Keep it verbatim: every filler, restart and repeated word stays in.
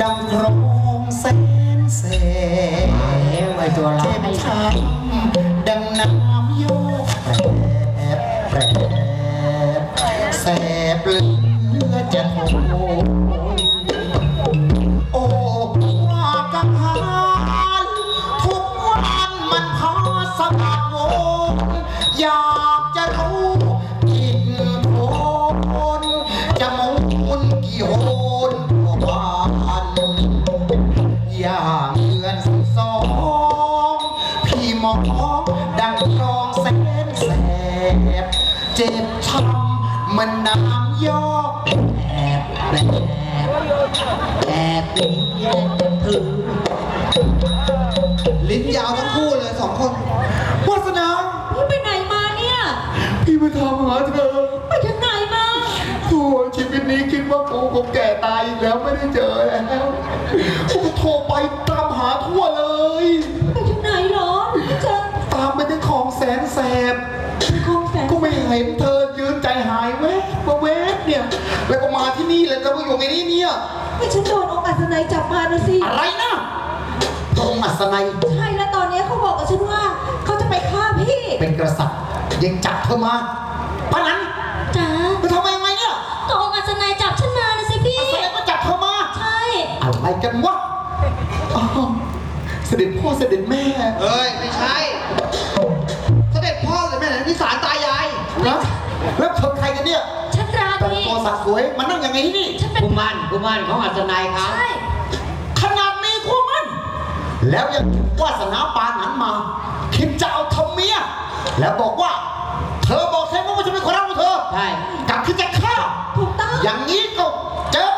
ดังโรงแสนแสบไว้ตัวร้ายช้ำดังน้ำโยกแปรแสบเลือจะโหโอ้ว่ากังหันทุกวันมันพาสะโวนอยากจะรู้กินโคนจะมุนกี่โหนกว่าบ้านอย่างเดือนสิบสองพี่มองดังคลองแสนแสบเจ็บช้ำมันน้ำยอกแอบแอบแอบลิ้นแยกถึงลิ้นยาวทั้งคู่เลยสองคนวาสนาพี่ไปไหนมาเนี่ยพี่มาทำหาเธอไปทางไหนมาโอ้ชีวิตนี้คิดว่ากูคงแก่ตายอีกแล้วไม่ได้เจอแล้วกูโทรไปตามหาทั่วเลยไปทางไหนเหรอไม่เจอตามไปที่คลองแสนแสบคลองแสนก็ไม่เห็นเธอยืนใจหายแวบมาแวบเนี่ยแล้วก็มาที่นี่แล้วจะมาอยู่ในนี้เนี่ยไม่ฉันโดนองค์อัศนัยจับมานะสิอะไรนะพระองค์อัศนัยใช่แล้วตอนนี้เขาบอกกับฉันว่าเขาจะไปฆ่าพี่เป็นกษัตริย์ยังจับเธอมาปะนั้นจ๋าไปทำไมยังไงเนี่ยก็องค์อัศนัยจับฉันมานะสิพี่แสดงว่าจับเธอมาใช่อะไรกันวะอ้าวเสด็จพ่อเสด็จแม่เอ้ยไม่ใช่เสด็จพ่อเลยแม่นี่สารตายายนะแล้วเธอใครกันเนี่ยฉันราแต่งดีตัวสักสวยมานั่งยังไงที่นี่ฉันเป็นกุมารกุมารของอัศนัยครับใช่ขนาดมีคู่มัน แล้วยังวาสนาปานนั้นมา คิดจะเอาทำเมีย แล้วบอกว่า เธอบอกใช่ไหมว่าจะเป็นคนรักของเธอใช่กลับคิดจะฆ่าถูกต้องอย่างนี้ก็เจอ